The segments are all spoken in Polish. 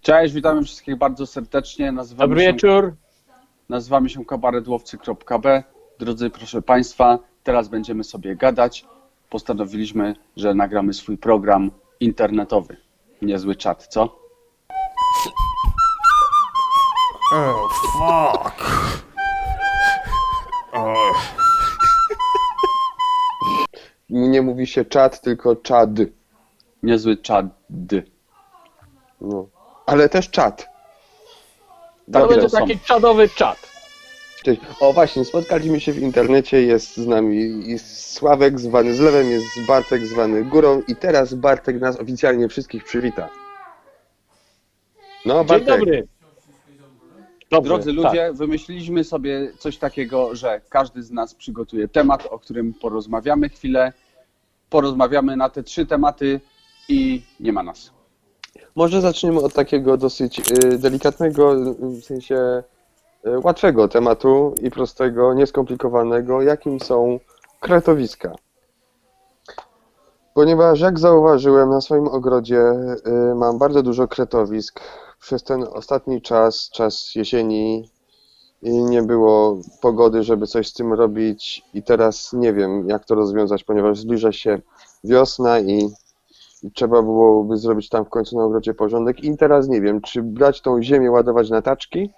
Cześć, witamy wszystkich bardzo serdecznie. Dobry wieczór. Nazywamy się kabaretłowcy.b. Drodzy, proszę Państwa, teraz będziemy sobie gadać. Postanowiliśmy, że nagramy swój program internetowy. Niezły czat, co? Oh, fuck. Nie mówi się czad, tylko czad. Niezły czad. No. Ale też czad. To Takie będzie są. taki czadowy czat. Cześć. O właśnie, spotkaliśmy się w internecie, jest z nami jest Sławek zwany Zlewem, jest Bartek zwany Górą i teraz Bartek nas oficjalnie wszystkich przywita. No Dzień Bartek, dobry. Dobrze, Drodzy tak. ludzie, wymyśliliśmy sobie coś takiego, że każdy z nas przygotuje temat, o którym porozmawiamy chwilę. Porozmawiamy na te 3 tematy i nie ma nas. może zaczniemy od takiego dosyć delikatnego, w sensie łatwego tematu i prostego, nieskomplikowanego, jakim są kretowiska. Ponieważ jak zauważyłem na swoim ogrodzie mam bardzo dużo kretowisk. Przez ten ostatni czas jesieni i nie było pogody, żeby coś z tym robić i teraz nie wiem jak to rozwiązać, ponieważ zbliża się wiosna i trzeba byłoby zrobić tam w końcu na ogrodzie porządek i teraz nie wiem, czy brać tą ziemię, ładować na taczki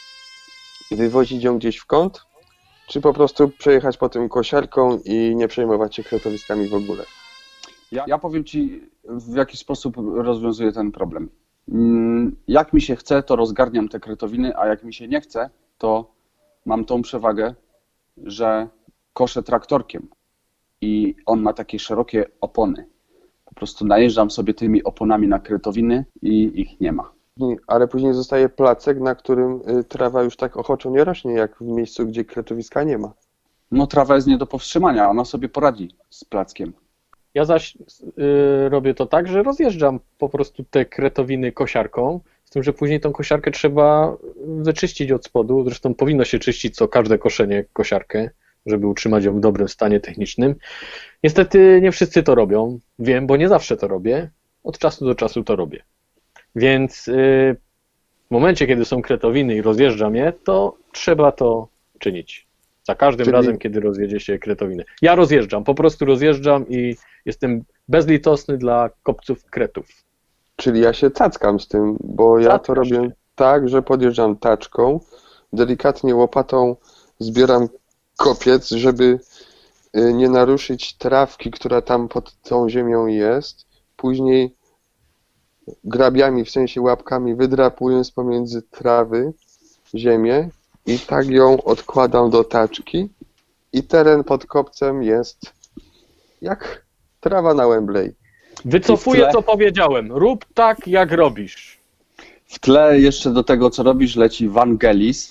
i wywozić ją gdzieś w kąt, czy po prostu przejechać po tym kosiarką i nie przejmować się kretowiskami w ogóle. Ja powiem Ci, w jaki sposób rozwiązuję ten problem. Jak mi się chce, to rozgarniam te kretowiny, a jak mi się nie chce, to mam tą przewagę, że koszę traktorkiem i on ma takie szerokie opony. Po prostu najeżdżam sobie tymi oponami na kretowiny i ich nie ma. Ale później zostaje placek, na którym trawa już tak ochoczo nie rośnie, jak w miejscu, gdzie kretowiska nie ma. No trawa jest nie do powstrzymania, ona sobie poradzi z plackiem. Ja zaś robię to tak, że rozjeżdżam po prostu te kretowiny kosiarką, z tym, że później tą kosiarkę trzeba wyczyścić od spodu. Zresztą powinno się czyścić co każde koszenie kosiarkę, żeby utrzymać ją w dobrym stanie technicznym. Niestety nie wszyscy to robią, wiem, bo nie zawsze to robię. Od czasu do czasu to robię. Więc w momencie, kiedy są kretowiny i rozjeżdżam je, to trzeba to czynić. Za każdym Czyli- razem, kiedy rozjedzie się kretowiny. Ja rozjeżdżam, po prostu rozjeżdżam i jestem bezlitosny dla kopców kretów. Czyli ja się cackam z tym, bo ja to Cackasz robię się. tak, że podjeżdżam taczką, delikatnie łopatą zbieram kopiec, żeby nie naruszyć trawki, która tam pod tą ziemią jest. Później grabiami, w sensie łapkami, wydrapując pomiędzy trawy ziemię i tak ją odkładam do taczki i teren pod kopcem jest jak trawa na Wembley. Wycofuję, I w tle- co powiedziałem. Rób tak, jak robisz. W tle jeszcze do tego, co robisz, leci Vangelis.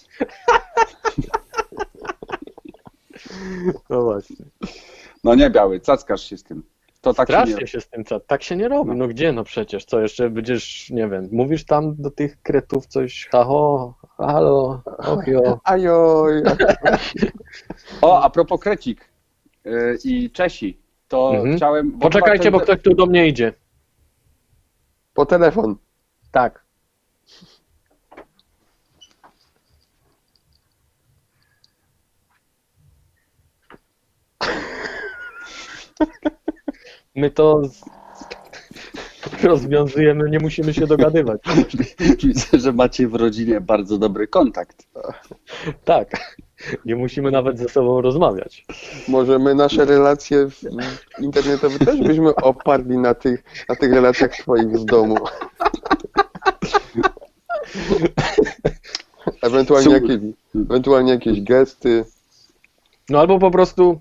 No właśnie. No nie biały, cackasz się z tym. To tak się nie Strasznie się z tym co. Tak się nie robi. No gdzie, no przecież. Co jeszcze będziesz, nie wiem, mówisz tam do tych kretów coś, haho, halo, ochio. Ajoj, O, a propos krecik i Czesi, to chciałem... bo Poczekajcie, chyba bo ktoś tu do mnie idzie. po telefon. Tak. My to rozwiązujemy, nie musimy się dogadywać. Widzę, że macie w rodzinie bardzo dobry kontakt. Tak. Nie musimy nawet ze sobą rozmawiać. Może my nasze relacje internetowe też byśmy oparli na tych relacjach twoich z domu. Ewentualnie jakieś gesty, No albo po prostu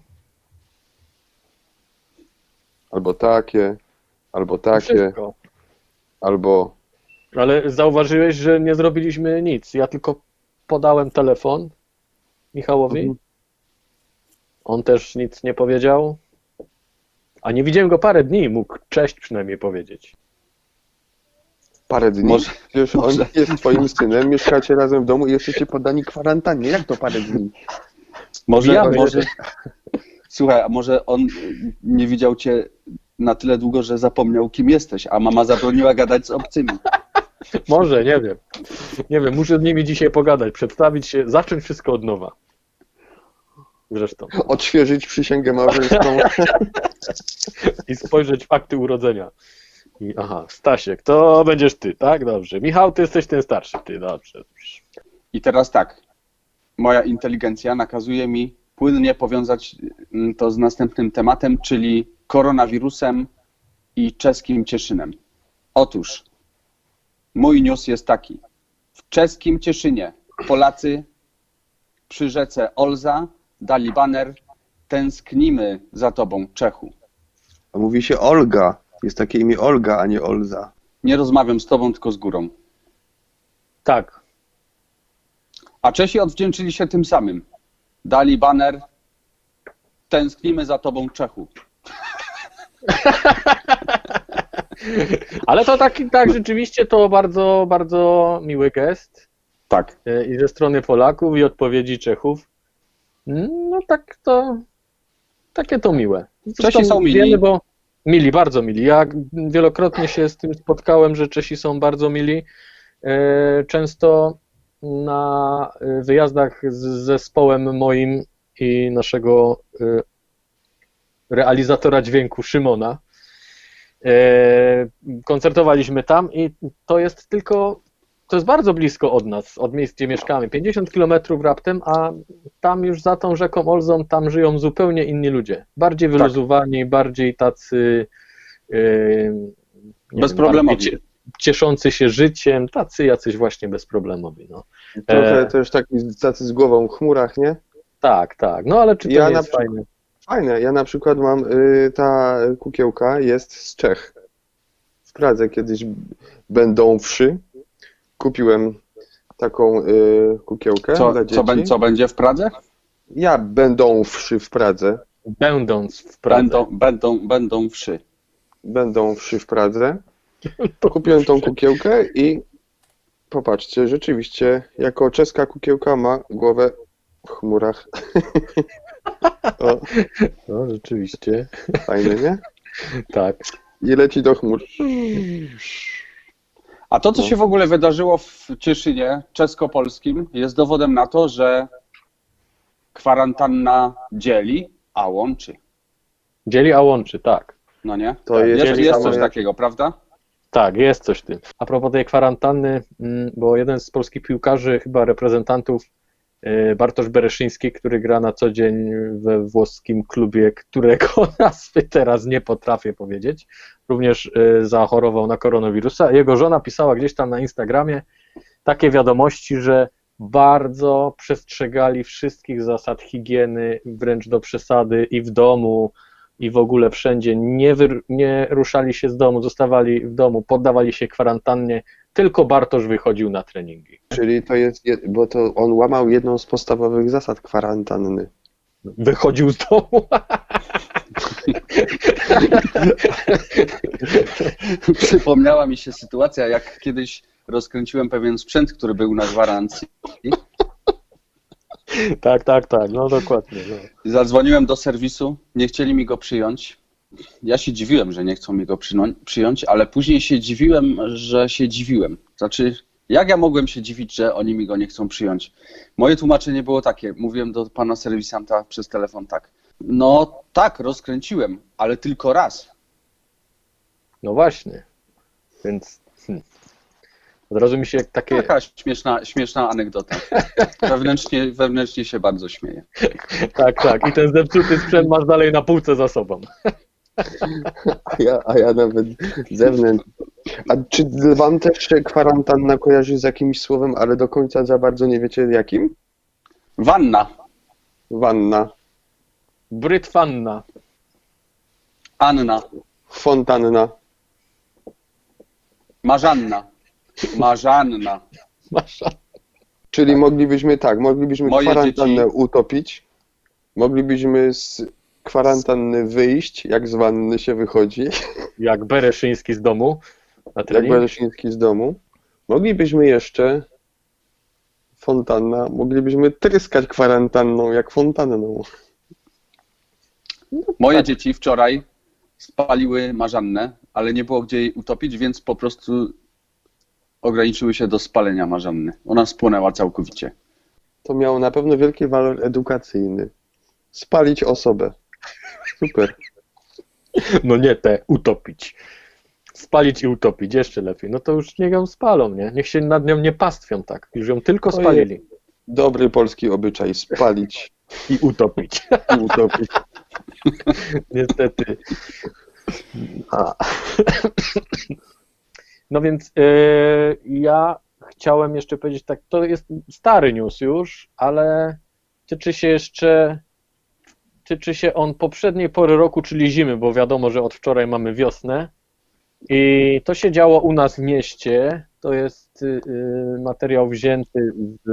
albo takie, wszystko. albo Ale zauważyłeś, że nie zrobiliśmy nic. Ja tylko podałem telefon Michałowi. Mhm. On też nic nie powiedział. A nie widziałem go parę dni, mógł cześć przynajmniej powiedzieć. parę dni. Może- Przecież on jest twoim synem, mieszkacie razem w domu i jesteście poddani kwarantannie. Jak to parę dni? Może, Może- słuchaj, a może on nie widział cię na tyle długo, że zapomniał, kim jesteś, a mama zabroniła gadać z obcymi. Może, nie wiem. Nie wiem, muszę z nimi dzisiaj pogadać, przedstawić się, zacząć wszystko od nowa. Zresztą. Odświeżyć przysięgę małżeńską. I spojrzeć w akty urodzenia. I aha, Stasiek, to będziesz ty, tak? Dobrze. Michał, ty jesteś ten starszy, ty, dobrze. I teraz tak, moja inteligencja nakazuje mi płynnie powiązać to z następnym tematem, czyli koronawirusem i czeskim Cieszynem. Otóż mój news jest taki. W czeskim Cieszynie Polacy przy rzece Olza dali baner "Tęsknimy za tobą, Czechu". A mówi się Olga. Jest takie imię Olga, a nie Olza. Nie rozmawiam z tobą, tylko z górą. Tak. A Czesi odwdzięczyli się tym samym. Dali baner "Tęsknimy za tobą, Czechu". Ale to tak rzeczywiście to bardzo, bardzo miły gest Tak. i ze strony Polaków i odpowiedzi Czechów. No tak to, takie to miłe. Czesi są mili. Wiemy, bo mili, bardzo mili. Ja wielokrotnie się z tym spotkałem, że Czesi są bardzo mili. Często na wyjazdach z zespołem moim i naszego realizatora dźwięku Szymona koncertowaliśmy tam i to jest bardzo blisko od nas, od miejsc, gdzie mieszkamy. 50 km raptem, a tam już za tą rzeką Olzą tam żyją zupełnie inni ludzie. Bardziej wyluzowani, bardziej tacy bezproblemowi. bardziej cieszący się życiem, tacy jacyś właśnie bezproblemowi. No. Trochę też tacy z głową w chmurach, nie? Tak, tak. No ale czy to Ja nie na jest fajne? Fajne. Ja na przykład mam, ta kukiełka jest z Czech. W Pradze kiedyś będąwszy kupiłem taką kukiełkę dla dzieci. Co będzie w Pradze? Ja będąwszy w Pradze. Będąc w Pradze. Będą wszy. Będąwszy w Pradze. Kupiłem tą kukiełkę i popatrzcie, rzeczywiście jako czeska kukiełka ma głowę w chmurach. O, No, rzeczywiście. fajne, nie? Tak. I leci do chmur. A to, co się w ogóle wydarzyło w Cieszynie czesko-polskim, jest dowodem na to, że kwarantanna dzieli, a łączy. Dzieli, a łączy, tak. No nie? To jest Jest samo coś jak- takiego, prawda? Tak, jest coś w tym. A propos tej kwarantanny, bo jeden z polskich piłkarzy, chyba reprezentantów, Bartosz Bereszyński, który gra na co dzień we włoskim klubie, którego nazwy teraz nie potrafię powiedzieć, również zachorował na koronawirusa. Jego żona pisała gdzieś tam na Instagramie takie wiadomości, że bardzo przestrzegali wszystkich zasad higieny, wręcz do przesady i w domu, i w ogóle wszędzie. Nie ruszali się z domu, zostawali w domu, poddawali się kwarantannie, tylko Bartosz wychodził na treningi. Czyli to jest, bo to on łamał jedną z podstawowych zasad kwarantanny. Wychodził z domu. Przypomniała mi się sytuacja, jak kiedyś rozkręciłem pewien sprzęt, który był na gwarancji. Tak, no dokładnie. No. Zadzwoniłem do serwisu, nie chcieli mi go przyjąć. Ja się dziwiłem, że nie chcą mi go przyjąć, ale później się dziwiłem, że się dziwiłem. Znaczy, jak ja mogłem się dziwić, że oni mi go nie chcą przyjąć? Moje tłumaczenie było takie, mówiłem do pana serwisanta przez telefon tak. No tak, rozkręciłem, ale tylko raz. No właśnie. Więc od razu mi się takie... Taka śmieszna anegdota. Wewnętrznie się bardzo śmieję. Tak. I ten zepsuty sprzęt masz dalej na półce za sobą. A ja nawet zewnętrznie. A czy wam też się kwarantanna kojarzy z jakimś słowem, ale do końca za bardzo nie wiecie jakim? Wanna, Wanna, Brytwanna. Anna, fontanna. Marzanna, Czyli moglibyśmy Moje kwarantannę dzieci- utopić, moglibyśmy z kwarantanny wyjść, jak z wanny się wychodzi, Jak Bereszyński z domu na jak trening. Bereszyński z domu. Moglibyśmy jeszcze moglibyśmy tryskać kwarantanną jak fontanną. Moje dzieci wczoraj spaliły marzannę, ale nie było gdzie jej utopić, więc po prostu ograniczyły się do spalenia Marzanny. Ona spłonęła całkowicie. To miało na pewno wielki walor edukacyjny. Spalić osobę. Super. No nie te, utopić. Spalić i utopić, jeszcze lepiej. No to już niech ją spalą, nie? Niech się nad nią nie pastwią tak. Już ją tylko Ojej. spalili. Dobry polski obyczaj. Spalić I utopić. i utopić. Niestety. A. No więc ja chciałem jeszcze powiedzieć tak, to jest stary news już, ale tyczy się on poprzedniej pory roku, czyli zimy, bo wiadomo, że od wczoraj mamy wiosnę i to się działo u nas w mieście. To jest materiał wzięty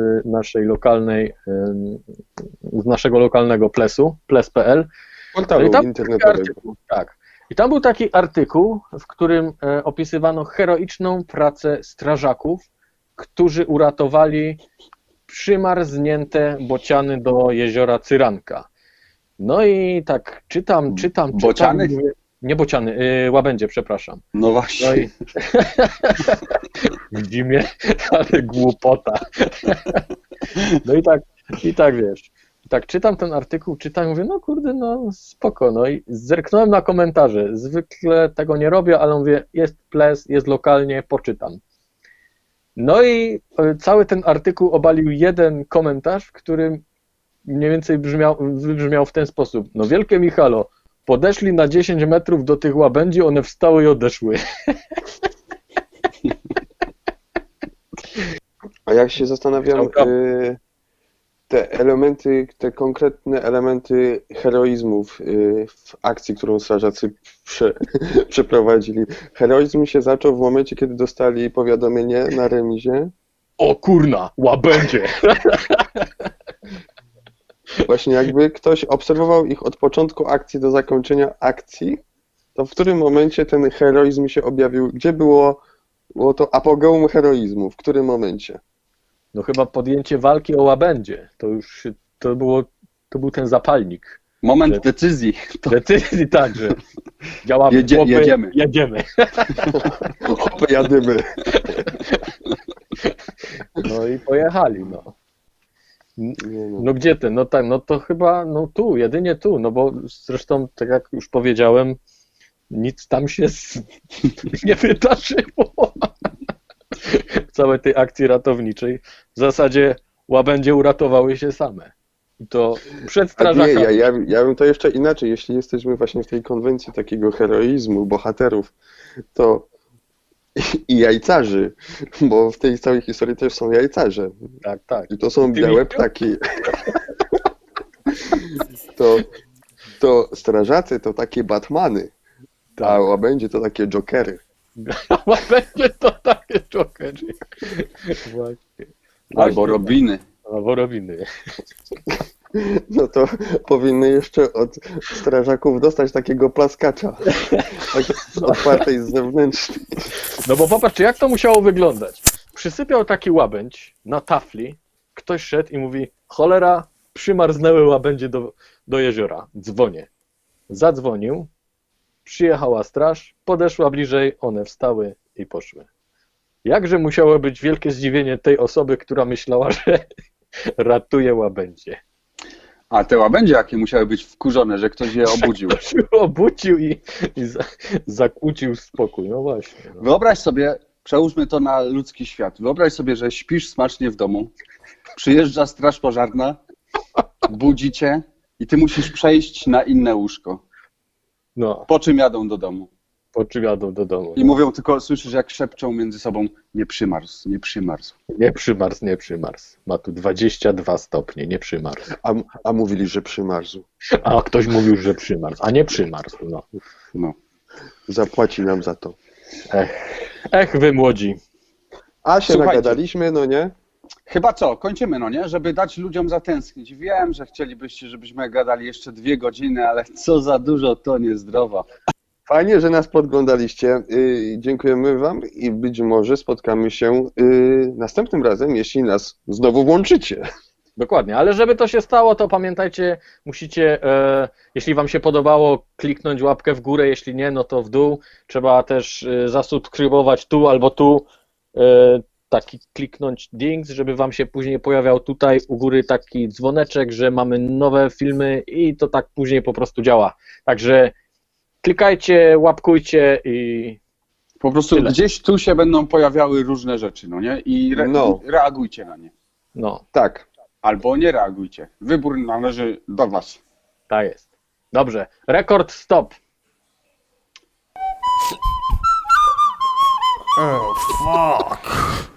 z naszego lokalnego plesu, ples.pl. Portalu I tam internetowego. Tak. I tam był taki artykuł, w którym opisywano heroiczną pracę strażaków, którzy uratowali przymarznięte bociany do jeziora Cyranka. No i tak czytam. Bociany? Mówię, nie bociany, łabędzie, przepraszam. No właśnie. No i w zimie, ale głupota. No i tak wiesz. I tak czytam ten artykuł, czytam i mówię, no kurde, no spoko. No i zerknąłem na komentarze. Zwykle tego nie robię, ale mówię, jest ples, jest lokalnie, poczytam. No i cały ten artykuł obalił jeden komentarz, w którym mniej więcej wybrzmiał w ten sposób. No wielkie Michalo, podeszli na 10 metrów do tych łabędzi, one wstały i odeszły. A jak się zastanawiam, Dobra. te konkretne elementy heroizmów w akcji, którą strażacy przeprowadzili. Heroizm się zaczął w momencie, kiedy dostali powiadomienie na remizie. O kurna, łabędzie! Właśnie jakby ktoś obserwował ich od początku akcji do zakończenia akcji, to w którym momencie ten heroizm się objawił? Gdzie było to apogeum heroizmu? W którym momencie? No chyba podjęcie walki o łabędzie. To był ten zapalnik. Moment Że- decyzji. To Decyzji także. Działamy. Jedziemy. Jedziemy. Jadymy. No i pojechali, no. Nie no. No gdzie ty? No tak, no to chyba, no tu, jedynie tu, no bo zresztą, tak jak już powiedziałem, nic tam się nie wydarzyło w całej tej akcji ratowniczej. W zasadzie łabędzie uratowały się same. I to przed A nie, strażakami. ja bym to jeszcze inaczej. Jeśli jesteśmy właśnie w tej konwencji takiego heroizmu, bohaterów, to i jajcarzy, bo w tej całej historii też są jajcarze. Tak, tak. I to są Ty białe Miciu? ptaki. To strażacy to takie Batmany, a Tak. łabędzie to takie Jokery. Łabędzie to takie jokery. Właśnie. albo Robiny. Albo Robiny. No to powinny jeszcze od strażaków dostać takiego plaskacza. Tak otwartej z zewnętrznej. No bo popatrz, jak to musiało wyglądać. Przysypiał taki łabędź na tafli, ktoś szedł i mówi, cholera, przymarznęły łabędzie do jeziora, dzwonię. Zadzwonił, przyjechała straż, podeszła bliżej, one wstały i poszły. Jakże musiało być wielkie zdziwienie tej osoby, która myślała, że ratuje łabędzie. A te łabędzie jakie musiały być wkurzone, że ktoś je obudził. Ktoś się obudził i zakłócił spokój. No właśnie. No. Wyobraź sobie, przełóżmy to na ludzki świat. Wyobraź sobie, że śpisz smacznie w domu, przyjeżdża straż pożarna, budzi cię i ty musisz przejść na inne łóżko. No, Po czym jadą do domu. po czym jadą do domu. I mówią tylko, słyszysz jak szepczą między sobą, nie przymarzł, nie przymarzł. Nie przymarzł, nie przymarzł. Ma tu 22 stopnie, nie przymarzł. A mówili, że przymarzł. A ktoś mówił, że przymarzł, a nie przymarzł. No. No. Zapłaci nam za to. Ech, wy młodzi. A się Słuchajcie. nagadaliśmy, no nie? Chyba co, kończymy, no nie? Żeby dać ludziom zatęsknić. Wiem, że chcielibyście, żebyśmy gadali jeszcze 2 godziny, ale co za dużo, to niezdrowo. Fajnie, że nas podglądaliście. Dziękujemy Wam i być może spotkamy się następnym razem, jeśli nas znowu włączycie. Dokładnie, ale żeby to się stało, to pamiętajcie, musicie, jeśli wam się podobało, kliknąć łapkę w górę, jeśli nie, no to w dół. Trzeba też zasubskrybować tu albo tu taki kliknąć dings, żeby wam się później pojawiał tutaj u góry taki dzwoneczek, że mamy nowe filmy i to tak później po prostu działa. Także klikajcie, łapkujcie i Po prostu Tyle. gdzieś tu się będą pojawiały różne rzeczy, no nie? I No. reagujcie na nie. no, Tak. Albo nie reagujcie. Wybór należy do was. tak jest. Dobrze, rekord stop. Oh, fuck.